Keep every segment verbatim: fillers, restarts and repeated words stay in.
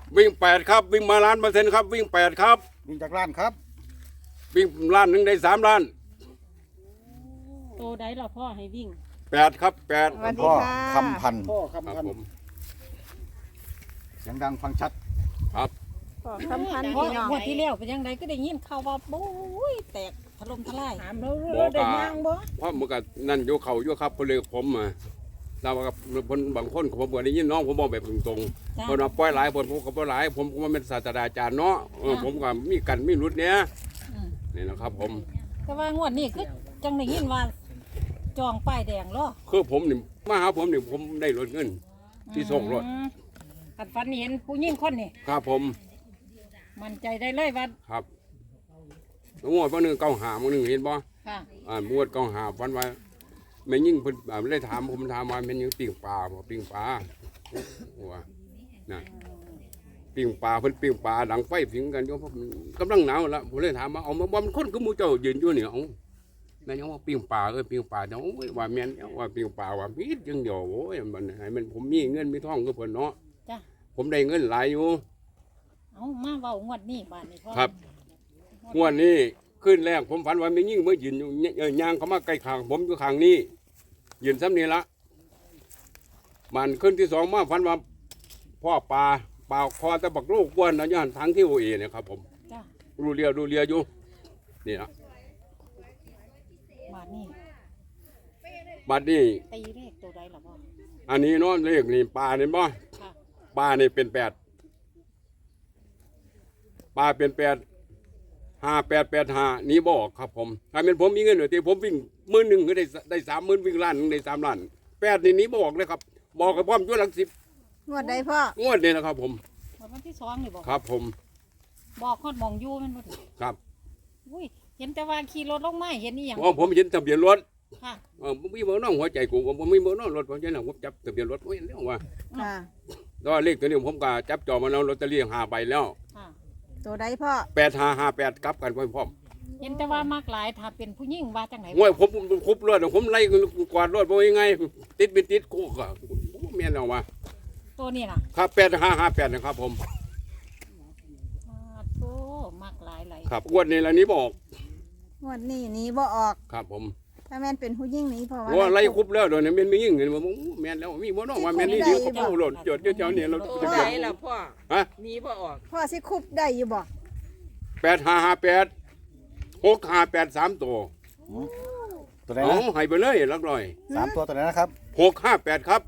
วิ่งแปดครับวิ่งมาล้านเปอร์เซ็นต์ครับวิ่งแปดครับวิ่งจากล้านครับวิ่งล้านหนึ่งได้สามล้านโตได้หรอพ่อให้วิ่งแปดครับแปดพ่อคำพันพ่อคำพันเสียงดังฟังชัดครับพ่อคำพันพี่น้องวันที่แล้วเป็นยังไงก็ได้ยินข่าวว่าโอ้ยแตกถล่มทลายถามเราได้ยังบ่เพราะเมื่อกี้นั่นโยเขาโยครับพลเรือผมมาเรากับคนบางคนผมก็ได้ยินน้องผมบอกแบบตรงๆคนมาปล่อยหลายคนผมก็ปล่อยหลายผมก็มาเป็นศาสตราจารย์เนาะผมก็มีกันมีรุดเนี้ยนี่นะครับผมแต่ว่างวดนี้คือจังได้ยินว่าจองป้ายแดงเหรอคือผมนี่มาหาผมนี่ผมได้รถเงินที่ส่งรถกันฝันเห็นผู้หญิงคนนี่ครับผมมั่นใจได้เลยว่าครับงวดวันหนึ่งเก้าหาวันหนึ่งเห็นบ่ค่ะอ่างวดเก้าหาวันว่าไม่ยิ่งเพิ่นเลยถามผมถามว่ามันยังปิ้งปลาบ่ปิ้งปลาว่าน่ะปิ้งปลาเพิ่นปิ้งปลาดังไฟผิงกันอยู่เพราะกำลังหนาวแล้วผมเลยถามว่าเอามาบ่มันคนคือหมู่เจ้ายืนอยู่นี่เอาแม่ยังว่าปิ้งปลาเอ้ยปิ้งปลาเนาะว่าแม่นว่าปิ้งปลาว่ามีจังเดียวโอ้ยมันให้มันผมมีเงินมีทองคือเพิ่นเนาะจ้ะผมได้เงินหลายอยู่เอามาเว้างวดนี้บาดนี้พ่อครับงวดนี้ขึ้นแรกผมฝันว่าไม่ยิ่งเมื่อยืนอยู่ย่างเขามาใกล้ข้างผมอยู่ข้างนี้ยืนซ้ำนี่ละมันขึ้นที่สองมาฝันว่าพ่อปลาปลาคอตะบักลูกกวนนะย่านทางที่โอเอเนี่ยครับผมรูเรียรูเรียอยู่นี่ละบาดนี้บาดนี้ตีเลขตัวใดล่ะพ่ออันนี้เนาะเลขนี่ปลาเนี่ยบ่ปลาเนี่ยเป็นแปดปลาเป็นแปดห้าแปดแปดห้านี้บอกครับผมถ้าเป็นผมมีเงินหน่อยที่ผมวิ่งหมื่นหนึ่งก็ได้ได้สามหมื่นวิ่งล้านหนึ่งได้สามล้านแปดนี่นี้บอกเลยครับบอกกับพ่อมช่วยหลักสิบงวดใดพ่องวดนี่นะครับผมวันที่สองนี่บอกครับผมบอกคอดมองยู่มันบ่ครับอุ้ยเห็นแต่ว่าขี่รถลงมาเห็นนี่อย่างอ๋อผมเห็นทะเบียนรถค่ะอ๋อผมมีเบอร์น้องหัวใจกูผมมีเบอร์น้องรถผมจะนั่งผมจับทะเบียนรถไว้เรื่องว่าค่ะแล้วเลขตัวนี้ผมก็จับจอมาแล้วลอตเตอรี่หาใบแล้วตัวใดพ่อแปดห้าห้าแปดกลับกันพร้อมเห็นแต่ว่ามากหลายถ้าเป็นผู้หญิงว่าจังไหนว่าผมคุบรถผมไล่กวาดรถไปยังไงติดเป็นติดกูก็เมียนเอาว่าตัวนี้นะครับแปดห้าห้าแปดนะครับผมโอ้มากหลายหลายครับงวดนี้แล้วนี้บอกงวดนี้นี้บ่ออกครับผมถ้าแม่นเป็นผู้หญิงนี้เพราะว่าว่าไล่คุบแล้วเดี๋ยวนี้แม่นไม่ยิ่งเห็นว่าแม่นแล้วมีบ่น้องว่าแม่นนี่ดีคุบเอารถจอดเจ้าเนี่ยเราจะเป็นล่ะพ่อฮะนี้บ่ออกพ่อสิคุบได้อยู่บ่แปดห้าห้าแปดหกห้าแปดสามตัวตัวไหนนะให้ไปเลยลักลอยสามตัวตัวไหนนะครับหกห้าแปดครับ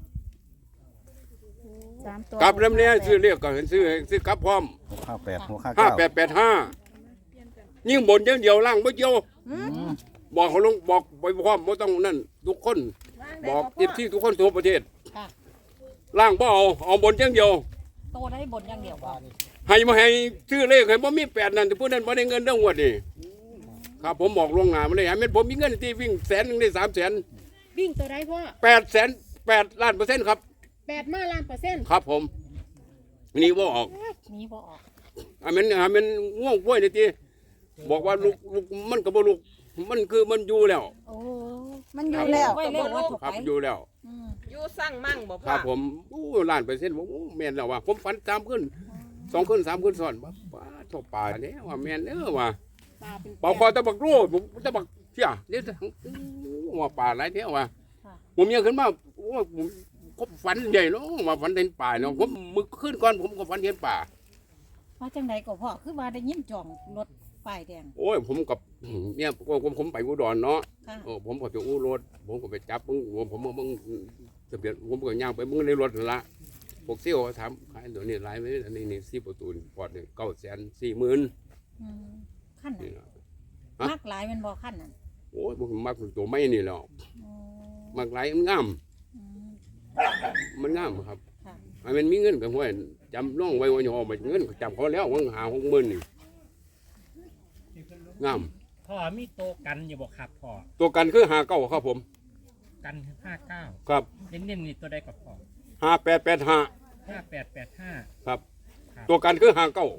กลับเล่มนี้ซื้อเรียกก็เห็นซื้อซื้อกลับพร้อมหกห้าแปดหกห้าห้าเก้าแปดแปดห้ายิ่งบนเดียวเดียวล่างไม่เดียวบอกเขาลงบอกไปพร้อมไม่ต้องนั่นทุกคนบอกติดที่ทุกคนทั่วประเทศล่างบ่เอาเอาบนเดียวโตได้บนอย่างเดียวให้มาให้ซื้อเลขให้ผมมีแปดนั่นแต่ผู้นั้นไม่ได้เงินเรื่องหัวนี่ครับผมบอกลวงหน้ามาเลยให้เม็ดผมมีเงินที่วิ่งแสนหนึ่งได้สามแสนวิ่งตัวใดพ่อแปดแสนแปดล้านเปอร์เซ็นต์ครับแปดมาล้านเปอร์เซ็นต์ครับผมนี่บ่ออกนี่บ่ออกอันนั้นอันนั้นง่วงป่วยเลยทีบอกว่าลูกลูกมันกับลูกมันคือมันอยู่แล้วโอ้มันอยู่แล้วครับอยู่แล้วอยู่สร้างมั่งบอกครับผมอู้ล้านเปอร์เซ็นต์ผมแม่นแล้วว่าผมฝันสามขึ้นสองขึ้นสามขึ้นซ้อนว่าป้าทบป่าเนี่ยว่าแม่นเออว่าป่าคอตะบักรูผมตะบักเชี่ยเนี่ยว่าป่าไรเท่าว่าผมยังขึ้นมาว่าผมผมฝันใหญ่เนาะว่าฝันเห็นป่าเนาะผมมึกขึ้นก่อนผมก็ฝันเห็นป่าว่าจังไหนก็พ่อคือว่าได้ยินจองรถป้ายแดงโอ้ยผมกับเนี่ยผมผมไปอุดรเนาะโอ้ผมก็ไปอู้รถผมก็ไปจับมึงผมมึงทะเบียนผมก็ย่างไปมึงในรถละพวกเซี่ยวถามขายตัวนี้ไล่ไว้อันนี้นี่สี่ประตูปอดเนี่ยเก้าแสนสี่หมื่นขั้นมากหลายมันบอกขั้นนั่นโอ้ยผมมักตัวไม่นี่แล้วมักหลายมันงามมันงามครับมันมีเงินกับห้วยจำน้องไว้วันหอมเงินจำเขาแล้ววังหาหกหมื่นนี่งามพ่อมีโตกันอยู่บอกครับพ่อตัวกันคือหาเก้าครับผมกันห้าเก้าครับเน้นๆนี่ตัวใดกับพ่อห้าแปดแปดห้าห้าแปดแปดห้าครับตัวกันคือหาเก้า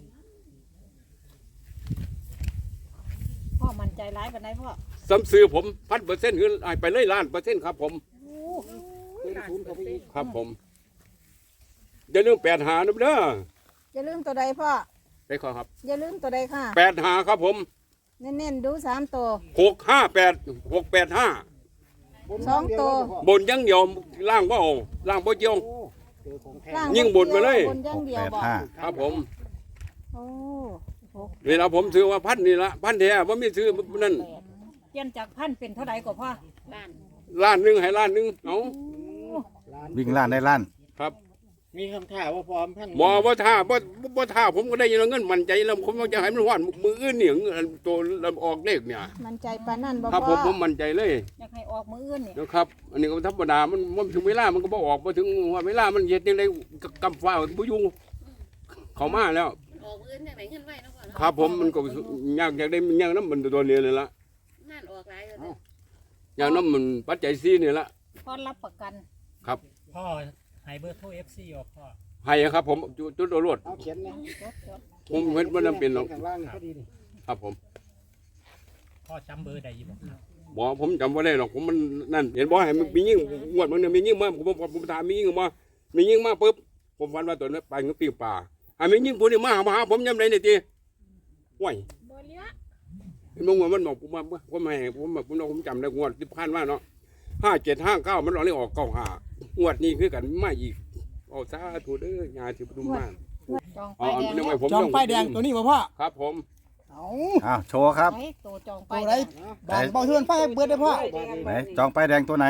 พ่อมั่นใจร้ายแบบไหนพ่อซ้ำซื้อผมพันเปอร์เซ็นต์คือไปเลยล้านเปอร์เซ็นต์ครับผมครับผมเดี๋ยวเรื่องแปดหานะเด้ออย่าลืมตัวใดพ่อได้ขอครับอย่าลืมตัวใดค่ะแปดหาครับผมเน้นๆดูสามตัวหกห้าแปดหกแปดห้าสองตัวบนยังเดียวล่างบ่เอาล่างบ่เจียวล่างยิ่งบนมาเลยบนอย่างเดียวแปดบอกห้าครับผมโอ้หกเวลาผมซื้อว่าพันนี่ละพันแท้ว่าไม่ซื้อนั่นแปดเปลี่ยนจากพันเป็นเท่าใดก็พ่อล้านหนึงให้ล้านหนึงเอาวิ่งล้านได้ล้านครับมีคำถามว่าพร้อมท่านบ่บ่ท่าบ่บ่ท่าผมก็ได้ยินเงินมั่นใจแล้วผมจะให้มันหวานมืออื่นเนี่ยตัวออกเลขเนี่ยมันใจปานนั่นบ่ครับผพ่อมผมมั่นใจเลยอยากให้ออกมืออื่นนี่นะครับ อันนี้ก็ธรรมดามันมันถึงเวลามันก็บ่ออกบ่ถึงว่าเวลามันเฮ็ดจังได๋กำฟ้าบ่อยู่เข้ามาแล้วออกอื่นจากไหนเงินไว้เนาะก่อนครับผมมันก็ยากอยากได้มันยากน้ำมันตัวนี้นี่ละงานออกหลายเลยยากน้ำมันปัจจัยซีนี่ละพ่อรับประกันครับพ่อให้เบอร์โทร เอฟ ซี ออกพ่อให้ครับผมจุจุดโอรวดเอาเขียนเนี่ยจดจดผมเห็นว่าน้ำเป็นหรอกข้างล่างพอดีนี่ครับผมพ่อจำเบอร์ใดอยู่บ่ครับบอกผมจำว่าได้หรอกผมมันนั่นเห็นบ่ให้มันมียิ่งงวดมันเนี่ยมียิ่งมาผมผมผมถามมียิ่งมามียิ่งมาปุ๊บผมฟันว่าตัวนั้นไปกับปีป่าให้มียิ่งผู้นี้มาหามาหาผมยังไงเนี่ยทีห่วยเห็นบ่งวดมันบอกผมว่าผมไม่ผมแบบผมผมจำได้งวดที่ผ่านมาเนาะห้าเจ็ดห้าเก้ามันรอเลยออกเก้าห้างวดนี้คือกันไม่อีกเอาซาถูเด้อยาที่ประตูมากจองอ๋ป้าอยแดงนึกว่าผมจองป้ายแดงตัวนี้มาพ่อครับผมเอาอ้าวโชว์ครับไอ้ตัวจองตัป้ายว แดไรง บางเบาเทือนป้ายเบิดได้พ่อไหนจองป้ายแดงตัวไหน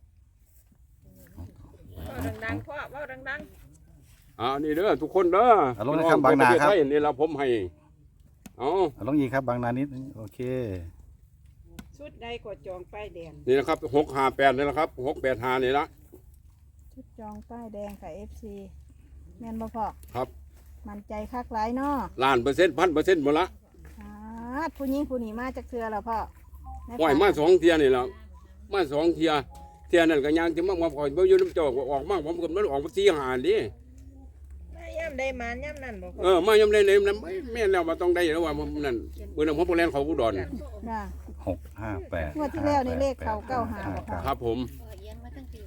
เว้าดังๆพ่อเว้าดังอ่านี่เด้อทุกคนเด้อเอาลงนะครับบางนาครับประเทศไทยนี่ละผมให้เอาเอาลงอีกครับบางนานิดนึงโอเคๆชุดใดก็จองป้ายแดงนี่นะครับหกห้าแปดนี่แหละครับหกแปดห้านี่ละชุดจองป้ายแดงค่ะ เอฟ ซี แม่นบ่พ่อครับมันใจคักหลายเนาะล้านเปอร์เซ็นต์พันเปอร์เซ็นต์หมดละอ่าผู้หญิงผู้นี้มาจากเทือแล้วพ่อในปล่อยฝันมาสองเทียนี่แหละมาสองเทียเทียนั่นก็ยังจะมามาปล่อยบ่อยู่น้ำเจอกออกมาผมก็มันออกมาสี่ห้าดิแม่ย่ำได้มาย่ำนั่นบ่พ่อเออมายำเลยเลยนั้นแม่นแล้วมาต้องได้แล้วว่าผมนั่นเมื่อนั้นผมไปเล่นเขาอุดรน่ะหกห้าแปดงวดที่แล้วนี่เลขเขาเก้าหาบ่พ่อครับผมพ่อเอียงมาตั้งปีผม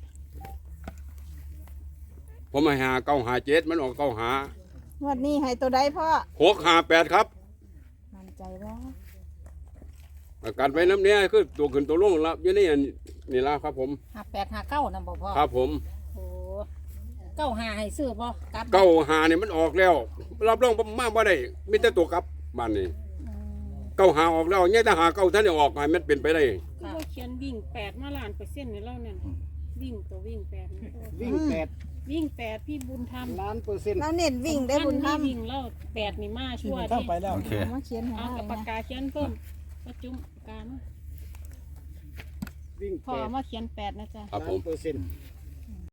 ผมมาหาเก้าหาเจ็ดมันออกเก้าหางวดนี้ให้ตัวใดพ่อหกห้าแปดครับมันใจบ่อาการไปน้ำเนี้ยคือตัวขึ้นตัวลงแล้วอยู่นี่นี่ละครับผมห้าแปดห้าเก้านั่นบ่พ่อครับผมโอ้เก้าหาให้ซื้อบ่กลับเก้าหานี่มันออกแล้ว รับรองผมมาบ่ได้มีแต่ตัวกลับบ้านนี้อืมเก้าหาออกแล้วเนี่ยถ้าหาเก้าท่านได้ออกให้มันเป็นไปได้คือว่าเขียนวิ่งแปดมาล้านเปอร์เซ็นต์ในเล่าเนี่ยวิ่งตัววิ่งแปดนี่วิ่งแปดวิ่งแปดพี่บุญธรรมล้านเปอร์เซ็นต์แล้วเน้นวิ่งได้บุญธรรมวิ่งเล่าแปดนี่มาชั่วข้าดิไปแล้วโอเคมาเขียนให้เอาได้กับปากนะกาเขียนเพิ่มประจุมปากกามาวิ่งพอแปดมาเขียนแปดนะจ๊ะครับล้าผนมเปอร์เซ็นต์